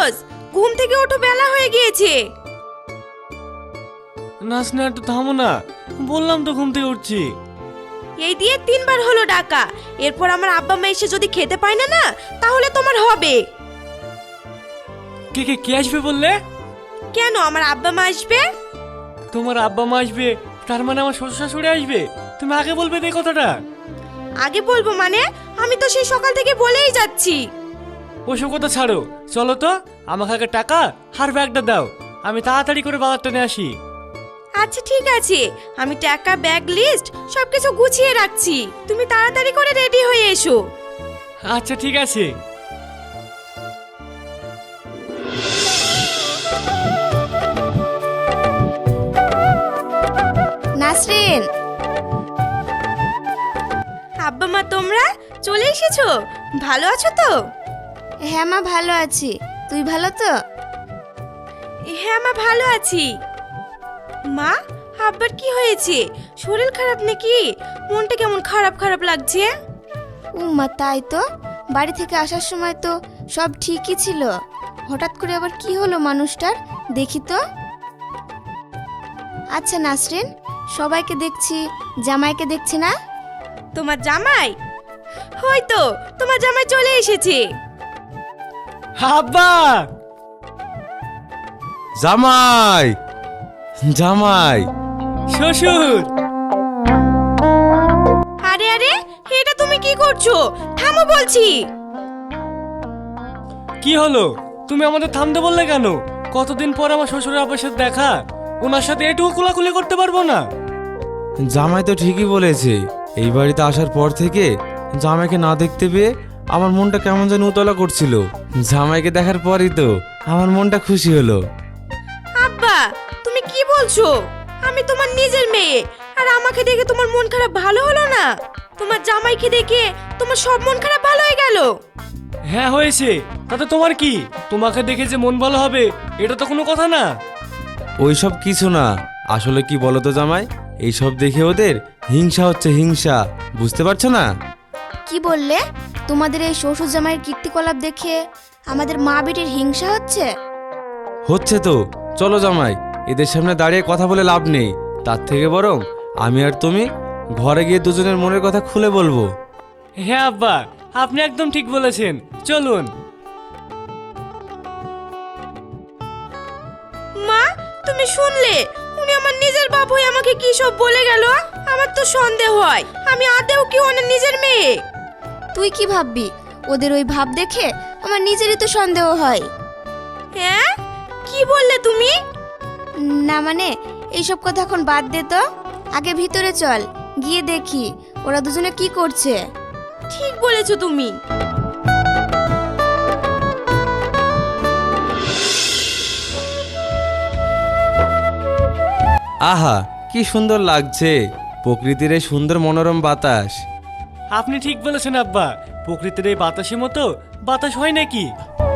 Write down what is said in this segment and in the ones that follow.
ফিরোজ, ঘুম থেকে ওঠো, বেলা হয়ে গিয়েছে। নাচ না, একটু থামো না, বললাম তো ঘুম থেকে উঠছি। এই দিয়ে 3বার হলো ডাকা। এরপর আমার আব্বা মা এসে যদি খেতে পায় না না, তাহলে তোমার হবে। কে কে কে আসবে বললে? কেন, আমার আব্বা মা আসবে। তোমার আব্বা মা আসবে, তার মানে আমার শ্বশুর শাশুড়ি আসবে? তুমি আগে বলবে এই কথাটা। আগে বলবো মানে? আমি তো সেই সকাল থেকে বলেই যাচ্ছি। ওসব কথা ছাড়ো, চলো তো, আমাকে আগে টাকা আর ব্যাগটা দাও, আমি তাড়াতাড়ি করে বাজারটা নিয়ে আসি। আচ্ছা ঠিক আছে, আমি টাকা, ব্যাগ, লিস্ট সবকিছু গুছিয়ে রাখছি, তুমি তাড়াতাড়ি করে রেডি হয়ে এসো। আচ্ছা ঠিক আছে। নাসরিন, আব্বা মা তোমরা চলে এসেছো? ভালো আছো তো? হ্যাঁ মা, ভালো আছি। তুই ভালো তো? হ্যাঁ মা, ভালো আছি। মা, আব্বার কি হয়েছে? শরীর খারাপ নাকি? মনটা কেমন খারাপ খারাপ লাগছে। মা তাই তো, বাড়ি থেকে আসার সময় তো সব ঠিকই ছিল, হঠাৎ করে আবার কি হলো মানুষটার, দেখি তো। আচ্ছা নাসরিন, সবাইকে দেখছি, জামাইকে দেখছি না? তোমার জামাই? হয়তো তোমার জামাই চলে এসেছে। আব্বা! জামাই, জামাই, শ্বশুর! আরে আরে, এটা তুমি কি করছো? থামো বলছি। কি হলো, তুমি আমাদের থামতে বললে কেন? কতদিন পর আমার শ্বশুরের আব্বার সাথে দেখা, ওনার সাথে এটুকু কোলাকুলি করতে পারবো না? জামাই তো ঠিকই বলেছে। এই বাড়িতে আসার পর থেকে জামাইকে না দেখতে পেয়ে আমার মনটা কেমন যেন উতলা করছিল। জামাইকে দেখার পরই তো আমার মনটা খুশি হলো। আব্বা, তুমি কি বলছো? আমি তোমার নিজের মেয়ে, আর আমাকে দেখে তোমার মন খারাপ ভালো হলো না? তোমার জামাইকে দেখে তোমার সব মন খারাপ ভালো হয়ে গেল? হ্যাঁ হয়েছে, তাতে তোমার কি? তোমাকে দেখে যে মন ভালো হবে এটা তো কোনো কথা না। ওইসব কিছু না, আসলে কি বলো তো জামাই, এইসব দেখে ওদের হিংসা হচ্ছে, হিংসা, বুঝতে পারছো না? কি বললে? তোমাদের এই শ্বশুর জামাইয়ের কীর্তিকলাপ দেখে আমাদের মা বেটির হিংসা হচ্ছে? হচ্ছে তো। চলো জামাই, এদের সামনে দাঁড়িয়ে কথা বলে লাভ নেই, তার থেকে বরং আমি আর তুমি ঘরে গিয়ে দুজনের মনের কথা খুলে বলবো। হ্যাঁ আব্বা, আপনি একদম ঠিক বলেছেন, চলুন। মা, তুমি শুনলে? উনি আমার নিজের বাপ হয়ে আমাকে কি সব বলে গেল। আমার তো সন্দেহ হয় আমি আদেও কি ওনার নিজের মেয়ে। তুই কি ভাববি? ওদের ওই ভাব দেখে আমার নিজেরই তো সন্দেহ হয়। হ্যাঁ, কি বললে তুমি? না মানে, এইসব কথা এখন বাদ দে তো, আগে ভিতরে চল, গিয়ে দেখি ওরা দুজনে কি করছে। ঠিক বলেছো তুমি। আহা, কি সুন্দর লাগছে প্রকৃতির এই সুন্দর মনোরম বাতাস। আপনি ঠিক বলেছেন আব্বা, প্রকৃতির এই বাতাসের মতো বাতাস হয় নাকি?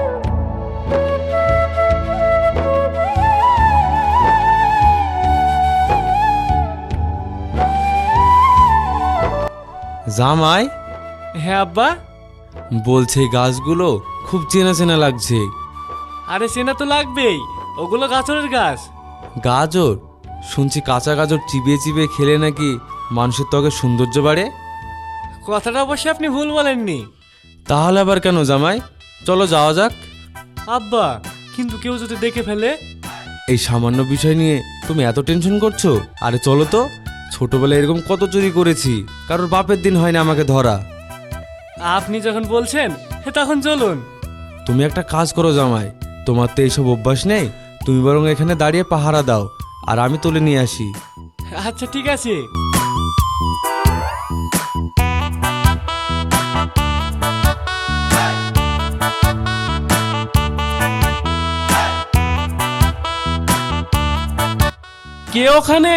জামাই, হ্যাঁ আব্বা। বলছে এই গাছগুলো খুব চেনা চেনা লাগছে। আরে চেনা তো লাগবেই, ওগুলো গাজরের গাছ। গাজর? শুনছি কাঁচা গাজর চিবিয়ে চিবিয়ে খেলে নাকি মানুষের ত্বকের সৌন্দর্য বাড়ে। কথাটা অবশ্যই আপনি ভুল বলেননি। তাহলে আবার কেন জামাই? চলো যাওয়া যাক। আব্বা, কিন্তু কেউ যদি দেখে ফেলে? এই সামান্য বিষয় নিয়ে তুমি এত টেনশন করছো? আরে চলো তো, ছোটবেলায় এরকম কত চুরি করেছি, কারোর বাপের দিন হয়নি আমাকে ধরা। আপনি যখন বলছেন তখন চলুন। তুমি একটা কাজ করো জামাই, তোমার তো এইসব অভ্যাস নেই, তুমি বরং এখানে দাঁড়িয়ে পাহারা দাও, আর আমি তুলে নিয়ে আসি। আচ্ছা ঠিক আছে। কে ওখানে?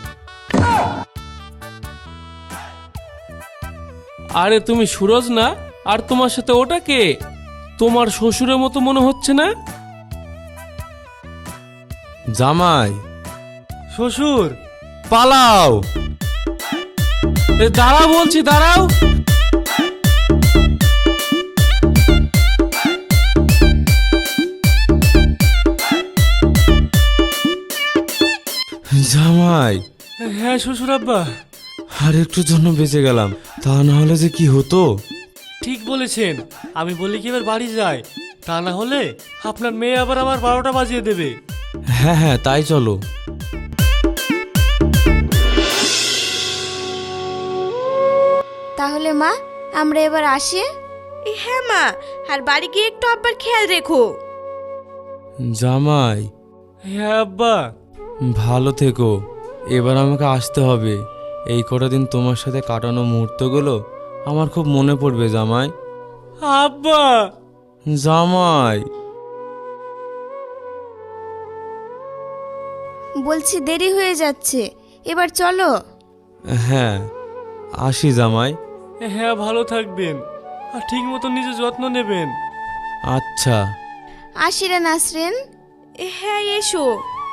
আরে তুমি সুরজ না? আর তোমার সাথে ওটা কে? তোমার শ্বশুরের মতো মনে হচ্ছে না? জামাই, শ্বশুর? পালাও! দাঁড়াও বলছি, দাঁড়াও। জামাই, হ্যাঁ শ্বশুর আব্বা। আর একটুর জন্য বেঁচে গেলাম, তা না হলে যে কি হতো। ঠিক বলেছেন, আমি বলি কি এবার বাড়ি যাই, তা না হলে আপনার মেয়ে আবার আমার 12টা বাজিয়ে দেবে। হ্যাঁ হ্যাঁ, তাই চলো। তাহলে মা, আমরা এবার আসি। হ্যাঁ মা, আর বাড়ি গিয়ে একটু আব্বার খেয়াল রেখো। জামাই, হ্যাঁ আব্বা। ভালো থেকো। এবার আমাকে আসতে হবে। এই কটা দিন তোমার সাথে কাটানো মুহূর্তগুলো আমার খুব মনে পড়বে জামাই। আব্বা। জামাই, বলছি দেরি হয়ে যাচ্ছে, এবার চলো। হ্যাঁ আসি জামাই। হ্যাঁ ভালো থাকবেন, আর ঠিক মতো নিজের যত্ন নেবেন। আচ্ছা। আসি রে নাসরিন। হ্যাঁ এসো।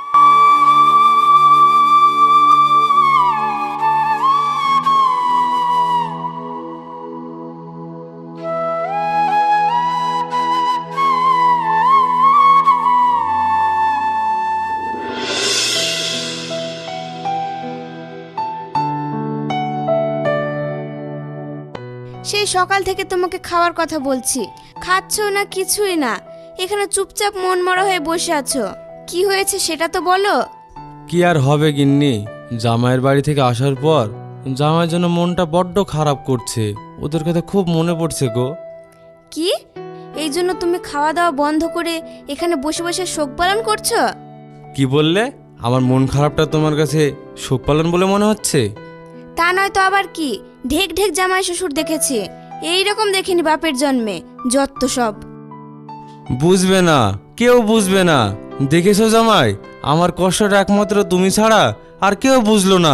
সেই সকাল থেকে তোমাকে খাওয়ার কথা বলছি, খাচ্ছো না কিছুই না, এখানে চুপচাপ মন মরা হয়ে বসে আছো। কি হয়েছে সেটা তো বলো। কি আর হবে গিন্নি, জামাইয়ের বাড়ি থেকে আসার পর জামাইয়ের জন্য মনটা বড্ড খারাপ করছে। ওদের কথা খুব মনে পড়ছে গো। কি, এই জন্য তুমি খাওয়া দাওয়া বন্ধ করে এখানে বসে বসে শোক পালন করছো? কি বললে? আমার মন খারাপটা তোমার কাছে শোক পালন বলে মনে হচ্ছে? তা নয় তো আবার কি, ঢেক ঢেক জামাই শ্বশুর দেখেছি, এই রকম দেখিনি বাপের জন্মে। যত সব। বুঝবে না, কেউ বুঝবে না। দেখেছো জামাই, আমার কষ্টটা একমাত্র তুমি ছাড়া আর কেউ বুঝলো না।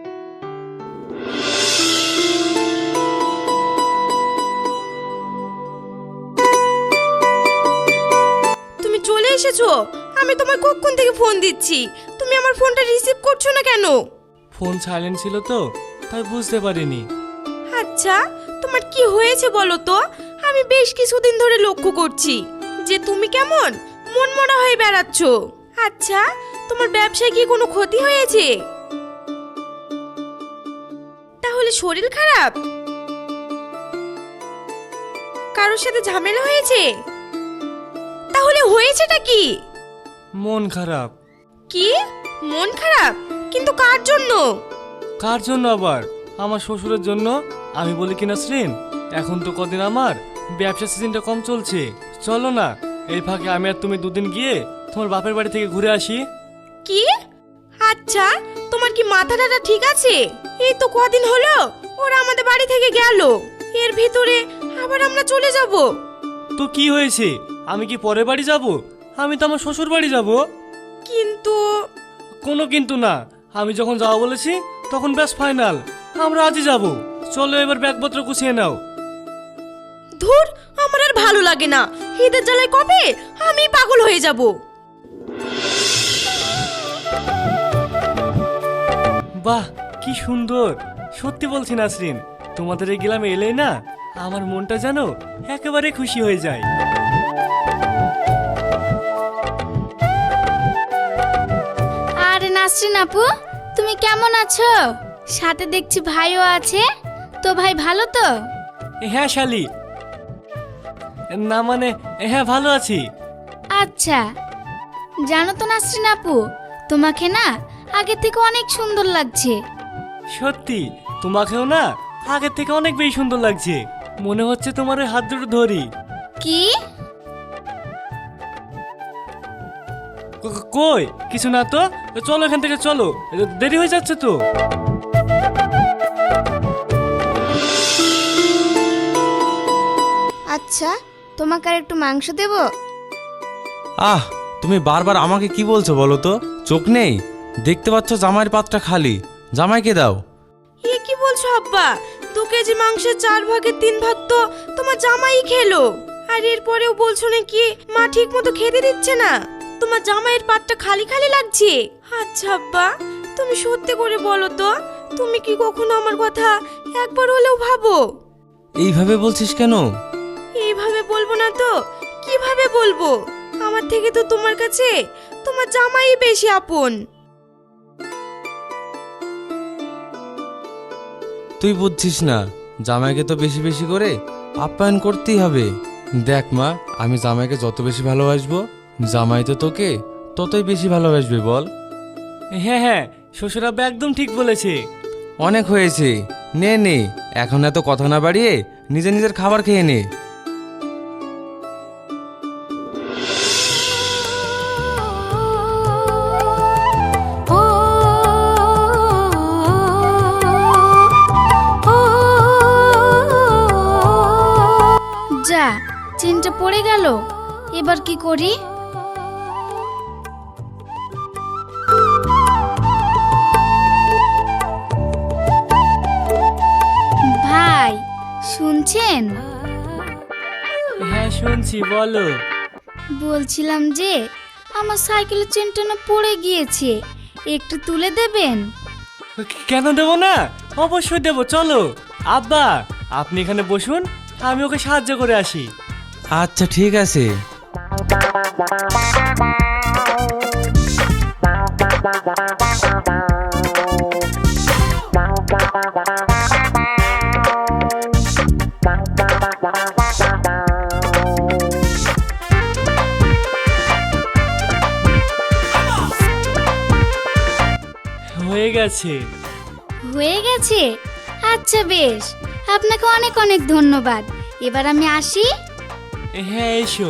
তুমি চলে এসেছো? আমি তোমায় কখন থেকে ফোন দিচ্ছি, তুমি আমার ফোনটা রিসিভ করছো না কেন? ফোন সাইলেন্ট ছিল তো, তাই বুঝতে পারিনি। আচ্ছা, তোমার কি হয়েছে বলো তো? আমি বেশ কিছুদিন ধরে লক্ষ্য করছি যে তুমি কেমন মনমরা হয়ে বেড়াচ্ছ। আচ্ছা, তোমার ব্যবসায় কি কোনো ক্ষতি হয়েছে? তাহলে শরীর খারাপ? কারোর সাথে ঝামেলা হয়েছে? তাহলে হয়েছেটা কি? মন খারাপ। কি মন খারাপ? কিন্তু কার জন্য? কার জন্য আবার? আমার শ্বশুরের জন্য। আমি বলি কি নাসরিন, এখন তো কদিন আমার ব্যবসা সিজনটা কম চলছে, চলো না এই ফাঁকে আমি আর তুমি দুদিন গিয়ে তোমার বাপের বাড়ি থেকে ঘুরে আসি। কি? আচ্ছা, তোমার কি মাথাটা ঠিক আছে? এই তো কদিন হলো ওরা আমাদের বাড়ি থেকে গেল, এর ভিতরে আবার আমরা চলে যাব। তো কি হয়েছে? আমি কি পরের বাড়ি যাব? আমি তো আমার শ্বশুর বাড়ি যাব। কিন্তু কোনো কিন্তু না, আমি যখন যাওয়া বলেছি তখন ব্যাস ফাইনাল, আমরা আজই যাব। চলো এবার ব্যাগপত্র গুছিয়ে নাও। ধুর, আমার আর ভালো লাগে না। ঈদের জ্বালায় কবে আমি পাগল হয়ে যাব। বাহ কি সুন্দর! সত্যি বলছি নাসরিন, তোমাদের এই গ্রামে এলেই না আমার মনটা যেন একেবারে খুশি হয়ে যায়। আরে নাসরিন আপু, তুমি কেমন আছো? সাথে দেখছি ভাইও আছে, তো ভাই ভালো তো? হ্যাঁ শালি, না মানে হ্যাঁ ভালো আছি। আচ্ছা, জানো তো নাসরিন আপু, তোমাকে না আগে থেকে অনেক সুন্দর লাগছে। সত্যি, তোমাকেও না আগের থেকে অনেক বেশি সুন্দর লাগছে। মনে হচ্ছে তোমার ওই হাত দুটো ধরি। কি? কই কিছু না তো, চলো এখান থেকে চলো, দেরি হয়ে যাচ্ছে তো। আচ্ছা, তোমাকে আর একটু মাংস দেব? আহ, তুমি বারবার আমাকে কি বলছো বলো তো? চোখ নেই? দেখতে পাচ্ছ জামাইয়ের পাতটা খালি, জামাইকে দাও। এ কি বলছো আব্বা? 2 কেজি মাংসের 4 ভাগের 3 ভাগ তো তোমার জামাই খেলো, আর এরপরেও বলছো নাকি মা ঠিক মতো খেতে দিচ্ছে না? তোমার জামাইয়ের পাতটা খালি খালি লাগছে। আচ্ছা আব্বা, তুমি সত্যি করে বলো তো, তুমি কি কখনো আমার কথা একবার হলেও ভাবো? এইভাবে বলছিস কেন? এইভাবে বলবো না তো কিভাবে বলবো? আমার থেকে তো তোমার কাছে তোমার জামাই বেশি আপন। তুই বুঝছিস না, জামাইকে তো বেশি বেশি করে আপ্যায়ন করতেই হবে। দেখ মা, আমি জামাইকে যত বেশি ভালোবাসবো, জামাই তো তোকে ততই বেশি ভালোবাসবে বল। হ্যাঁ হ্যাঁ, শ্বশুর আব্বা একদম ঠিক বলেছে। অনেক হয়েছে, নে নে, এখন এত কথা না বাড়িয়ে নিজে নিজের খাবার খেয়ে নে। যা, চেনটা পড়ে গেল, এবার কি করি? ভাই শুনছেন? হ্যাঁ শুনছি, বলো। বলছিলাম যে আমার সাইকেলের চেনটা না পড়ে গিয়েছে, একটু তুলে দেবেন? কেন দেবো না, অবশ্যই দেবো, চলো। আব্বা আপনি এখানে বসুন, আমি ওকে সাহায্য করে আসি। আচ্ছা ঠিক আছে। হয়ে গেছে। হয়ে গেছে? আচ্ছা বেশ, আপনাকে অনেক অনেক ধন্যবাদ। এবার আমি আসি। হ্যাঁ এসো।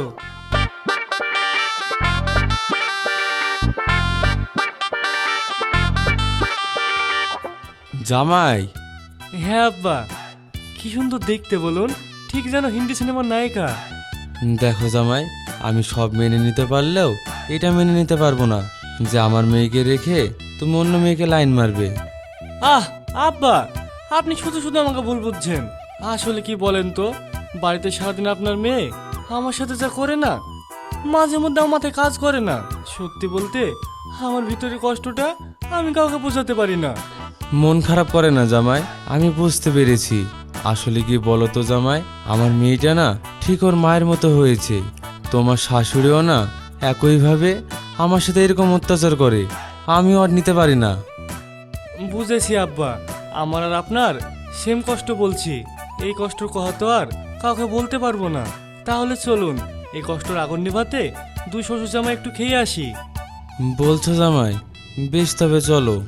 জামাই, হ্যাঁ আব্বা, কি সুন্দর দেখতে বলুন, ঠিক যেন হিন্দি সিনেমার নায়িকা। দেখো জামাই, আমি সব মেনে নিতে পারলেও এটা মেনে নিতে পারবো না যে আমার মেয়েকে রেখে তুমি অন্য মেয়েকে লাইন মারবে। আহ আব্বা, আপনি শুধু শুধু আমাকে ভুল বুঝছেন। আসলে কি বলেন তো, বাড়িতে সারাদিন আপনার মেয়ে আমার সাথে যা করে না, মাঝে মধ্যে আমার মাথায় কাজ করে না। সত্যি বলতে আমার ভিতরে কষ্টটা আমি কাউকে বোঝাতে পারি না। মন খারাপ করে না জামাই, আমি বুঝতে পেরেছি। আসলে কি বলো তো জামাই, আমার মেয়েটা না ঠিক ওর মায়ের মতো হয়েছে। তোমার শাশুড়িও না একইভাবে আমার সাথে এরকম অত্যাচার করে, আমিও আর নিতে পারি না। বুঝেছি আব্বা, আমার আর আপনার সেম কষ্ট বলছি। এই কষ্টের কথা তো আর কাউকে বলতে পারবো না। তাহলে চলুন, এই কষ্টের আগুন নিভাতে দুই শ্বশুর জামাই একটু খেয়ে আসি। বলছো জামাই? বেশ, তবে চলো।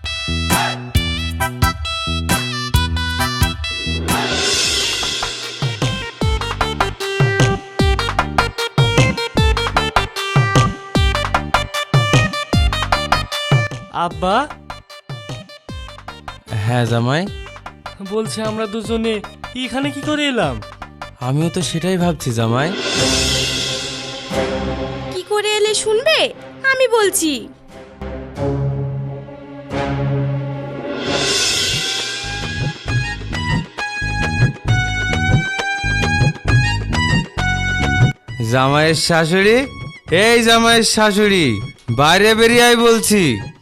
আব্বা, হ্যাঁ জামাই, বলছে আমরা দুজনে এখানে কি করে এলাম? আমিও তো সেটাই ভাবছি জামাই। কি করে এলে শুনবে? আমি বলছি। জামাইয়ের শাশুড়ি, এই জামাইয়ের শাশুড়ি, বাইরে বেরিয়ে আয় বলছি।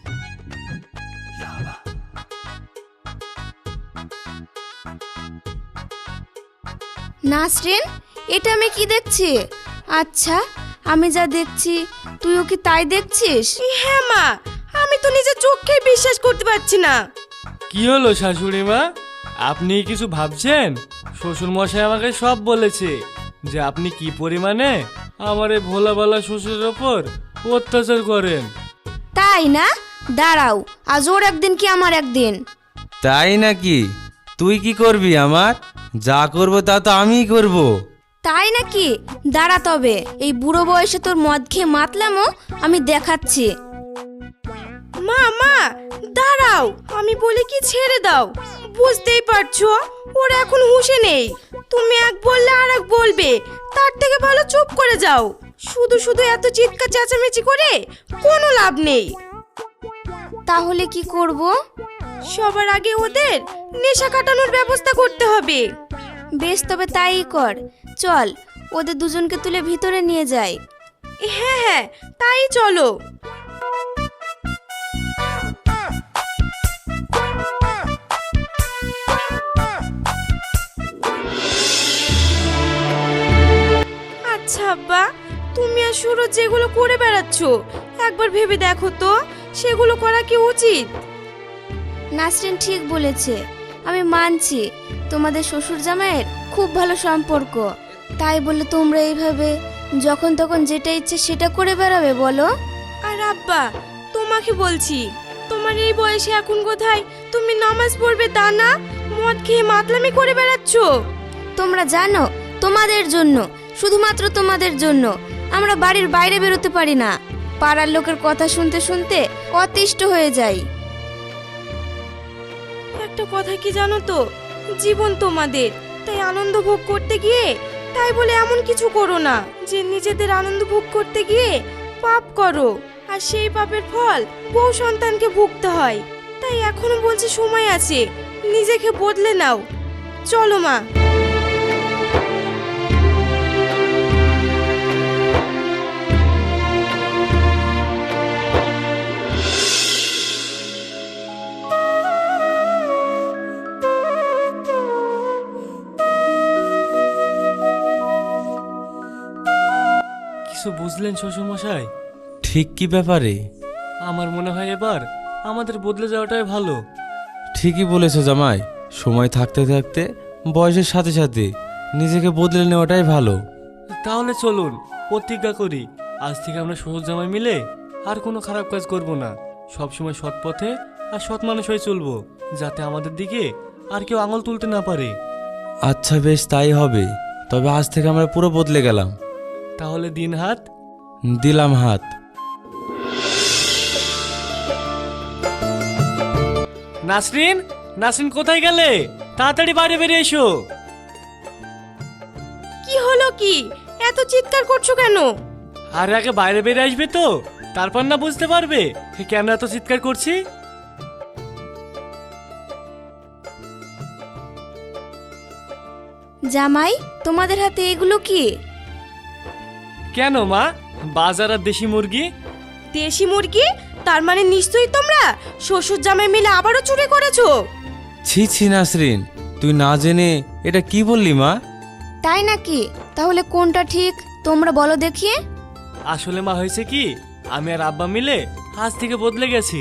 নাসরিন, এটা আমি কি দেখছি? আচ্ছা, আমি যা দেখছি তুইও কি তাই দেখছিস? হ্যাঁ মা, আমি তো নিজের চোখে বিশ্বাস করতে পারছি না। কি হলো শাশুড়ি মা, আপনি কিছু ভাবছেন? শ্বশুর মশাই আমাকে সব বলেছে যে আপনি কি পরিমাণে আমার এই ভোলাবালা শ্বশুরের ওপর অত্যাচার করেন। তাই না? দাঁড়াও, আজ ওর একদিন কি আমার একদিন। তাই নাকি? তুই কি করবি আমার? যা করবো তা তো আমিই করব। তাই নাকি? দাঁড়া তবে, এই বুড়ো বয়সে তোর মদ খেয়ে মাতলামও আমি দেখাচ্ছি। মা মা দাঁড়াও, আমি বলি কি ছেড়ে দাও। বুঝতেই পারছো ওর এখন হুঁশে নেই। তুমি এক বললে আর এক বলবে, তার থেকে ভালো চুপ করে যাও। শুধু শুধু এত চিৎকার চেঁচামেচি করে কোনো লাভ নেই। তাহলে কি করব? সবার আগে ওদের নেশা কাটানোর ব্যবস্থা করতে হবে। বেশ, তবে তাই কর। চল, ওদের দুজনকে তুলে ভিতরে নিয়ে যাই। হ্যাঁ হ্যাঁ, তাই চলো। আচ্ছা আব্বা, তুমি আর সুরজ যেগুলো করে বেড়াচ্ছ, একবার ভেবে দেখো তো সেগুলো করা কি উচিত? নাসরিন ঠিক বলেছে, আমি মানছি তোমাদের শ্বশুর জামাইয়ের খুব ভালো সম্পর্ক, তাই বলে তোমরা এইভাবে যখন তখন যেটা ইচ্ছে সেটা করে বেড়াবে বলো? আর আব্বা, তোমাকে বলছি, তোমার এই বয়সে এখন কোথায় তুমি নামাজ পড়বে তা না, মদ খেয়ে মাতলামি করে বেড়াচ্ছ। তোমরা জানো তোমাদের জন্য, শুধুমাত্র তোমাদের জন্য আমরা বাড়ির বাইরে বেরোতে পারি না। পাড়ার লোকের কথা শুনতে শুনতে অতিষ্ঠ হয়ে যাই। একটা কথা কি জানো তো, জীবন তোমাদের, তাই আনন্দ ভোগ করতে গিয়ে তাই বলে এমন কিছু করো না যে নিজেদের আনন্দ ভোগ করতে গিয়ে পাপ করো, আর সেই পাপের ফল বউ সন্তানকে ভুগতে হয়। তাই এখনো বলছি সময় আছে, নিজেকে বদলে নাও। চলো মা। কিছু বুঝলেন শ্বশুর মশাই? ঠিক কি ব্যাপারে? আমার মনে হয় এবার আমাদের বদলে যাওয়াটাই ভালো। ঠিকই বলেছো জামাই, সময় থাকতে থাকতে বয়সের সাথে সাথে নিজেকে বদলে নেওয়াটাই ভালো। তাহলে চলুন প্রতিজ্ঞা করি, আজ থেকে আমরা শ্বশুর জামাই মিলে আর কোনো খারাপ কাজ করব না, সবসময় সৎ পথে আর সৎ মানুষ হয়ে চলবো, যাতে আমাদের দিকে আর কেউ আঙুল তুলতে না পারে। আচ্ছা বেশ, তাই হবে। তবে আজ থেকে আমরা পুরো বদলে গেলাম। তাহলে দিন হাত। দিলাম হাত। নাসরিন, নাসরিন কোথায় গেলে? তাড়াতাড়ি বাইরে বেরিয়ে এসো। কি হলো কি, এত চিৎকার করছো কেন? আর আগে বাইরে বেরিয়ে আসবে তো, তারপর না বুঝতে পারবে কেন এত চিৎকার করছি। জামাই, তোমাদের হাতে এগুলো কি? কেন মা, বাজার আর দেশি মুরগি? দেশি মুরগি? তার মানে নিশ্চয়ই তোমরা শ্বশুর জামাই মিলে আবারও চুরি করেছো। ছি ছি নাসরিন, তুই না জেনে এটা কি বললি মা? তাই নাকি? তাহলে কোনটা ঠিক তোমরা বলো দেখি। আসলে মা হয়েছে কি, আমি আর আব্বা মিলে আজ থেকে বদলে গেছি।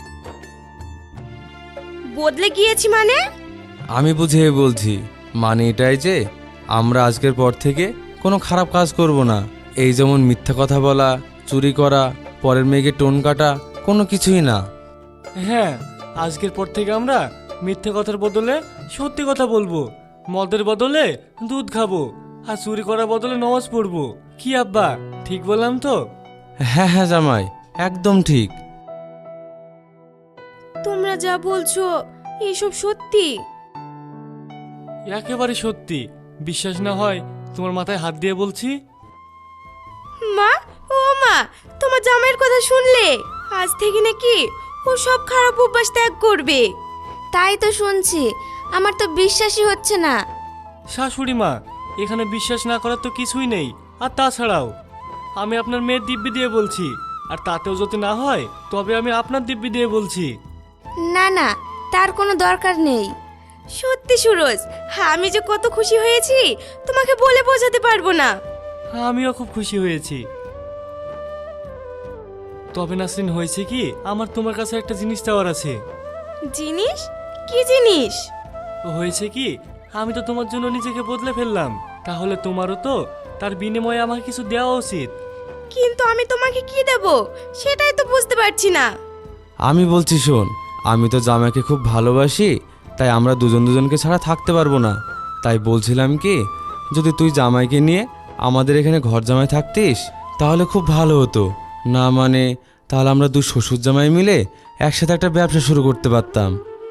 বদলে গিয়েছি মানে? আমি বুঝিয়ে বলছি, মানে এটাই যে আমরা আজকের পর থেকে কোনো খারাপ কাজ করব না। এই যেমন মিথ্যা কথা বলা, চুরি করা, পরের মেয়েকে টোন কাটা, কোনো কিছুই না। হ্যাঁ, আজকের পর থেকে আমরা মিথ্যে কথার বদলে সত্যি কথা বলবো, মদের বদলে দুধ খাবো, আর চুরি করার বদলে নামাজ পড়বো। কি আব্বা, ঠিক বললাম তো? হ্যাঁ হ্যাঁ জামাই, একদম ঠিক। তোমরা যা বলছো এসব সত্যি? একেবারে সত্যি। বিশ্বাস না হয় তোমার মাথায় হাত দিয়ে বলছি। মা, ও মা, তোমার জামাইয়ের কথা শুনলে? আজ থেকে নাকি ও সব খারাপ অভ্যাস ত্যাগ করবে। তাই তো শুনছি, আমার তো বিশ্বাসই হচ্ছে না। শাশুড়ি মা, এখানে বিশ্বাস না করার তো কিছুই নেই। আর তাছাড়াও আমি আপনার মেয়ের দিব্যি দিয়ে বলছি, আর তাতেও যদি না হয় তবে আমি আপনার দিব্যি দিয়ে বলছি। না না, তার কোনো দরকার নেই। সত্যি সুরজ, আমি যে কত খুশি হয়েছি তোমাকে বলে বোঝাতে পারবো না। আমিও খুব খুশি হয়েছি। তবে নাসরিন, হয়েছে কি, আমার তোমার কাছে একটা জিনিস চাওয়ার আছে। জিনিস? কি জিনিস? হয়েছে কি, আমি তো তোমার জন্য নিজেকে বদলে ফেললাম, তাহলে তোমারও তো তার বিনিময়ে আমাকে কিছু দেওয়া উচিত। কিন্তু আমি তোমাকে কি দেব সেটাই তো বুঝতে পারছি না। আমি বলছি শোন, আমি তো জামাইকে খুব ভালোবাসি, তাই আমরা দুজন দুজনকে ছাড়া থাকতে পারবো না। তাই বলছিলাম কি, যদি তুই জামাইকে নিয়ে আমাদের এখানে ঘর জামাই থাকতিস তাহলে খুব ভালো হতো। না মানে তাহলে আমরা দুই শ্বশুর জামাই মিলে একসাথে একটা ব্যবসা শুরু করতে পারতাম।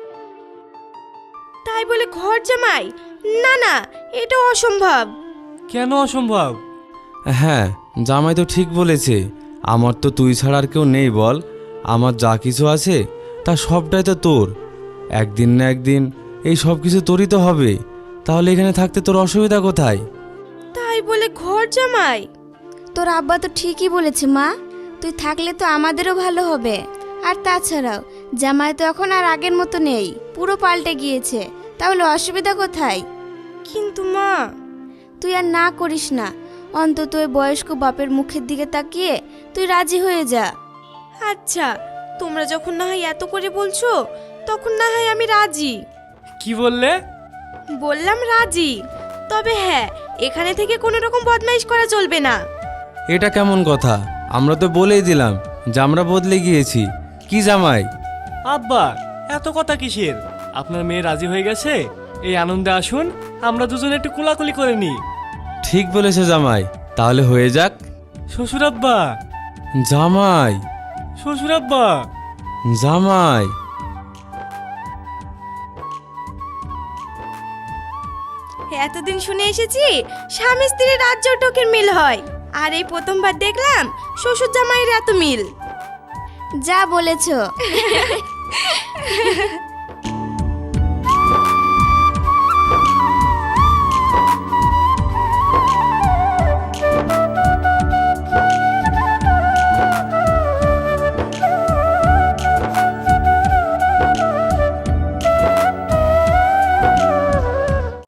তাই বলে ঘর জামাই? না না, এটা অসম্ভব। কেন অসম্ভব? হ্যাঁ, জামাই তো ঠিক বলেছে। আমার তো তুই ছাড়া আর কেউ নেই বল। আমার যা কিছু আছে তা সবটাই তো তোর। একদিন না একদিন এই সব কিছু তোরই তো হবে। তাহলে এখানে থাকতে তোর অসুবিধা কোথায়? তাই বলে ঘর জামাই? তোর আব্বা তো ঠিকই বলেছে মা, তুই থাকলে তো আমাদেরও ভালো হবে। আর তাছাড়াও জামাই তো এখন আর আগের মতো নেই, পুরো পাল্টে গিয়েছে। তাহলে অসুবিধা কোথায়? কিন্তু মা। তুই আর না করিস না, অন্তত ওই বয়স্ক বাপের মুখের দিকে তাকিয়ে তুই রাজি হয়ে যা। আচ্ছা, তোমরা যখন না হয় এত করে বলছো তখন না হয় আমি রাজি। কি বললে? বললাম রাজি, তবে হ্যাঁ এখানে থেকে কোনো রকম বদমাইশ করা চলবে না। এটা কেমন কথা? আমরা তো বলেই দিলাম যে আমরা বদলে গিয়েছি। কি জামাই? আব্বা এত কথা কিসের? আপনার মেয়ে রাজি হয়ে গেছে, এই আনন্দে আসুন, আমরা দুজনে একটু কোলাকুলি করে নি। ঠিক বলেছে জামাই, তাহলে হয়ে যাক। শ্বশুর আব্বা, জামাই, শ্বশুর আব্বা। জামাই। এতদিন শুনে এসেছি স্বামী স্ত্রীর রাজ্য টকের মিল হয়, আর এই প্রথমবার দেখলাম শ্বশুর জামাইয়ের এত মিল। যা বলেছো।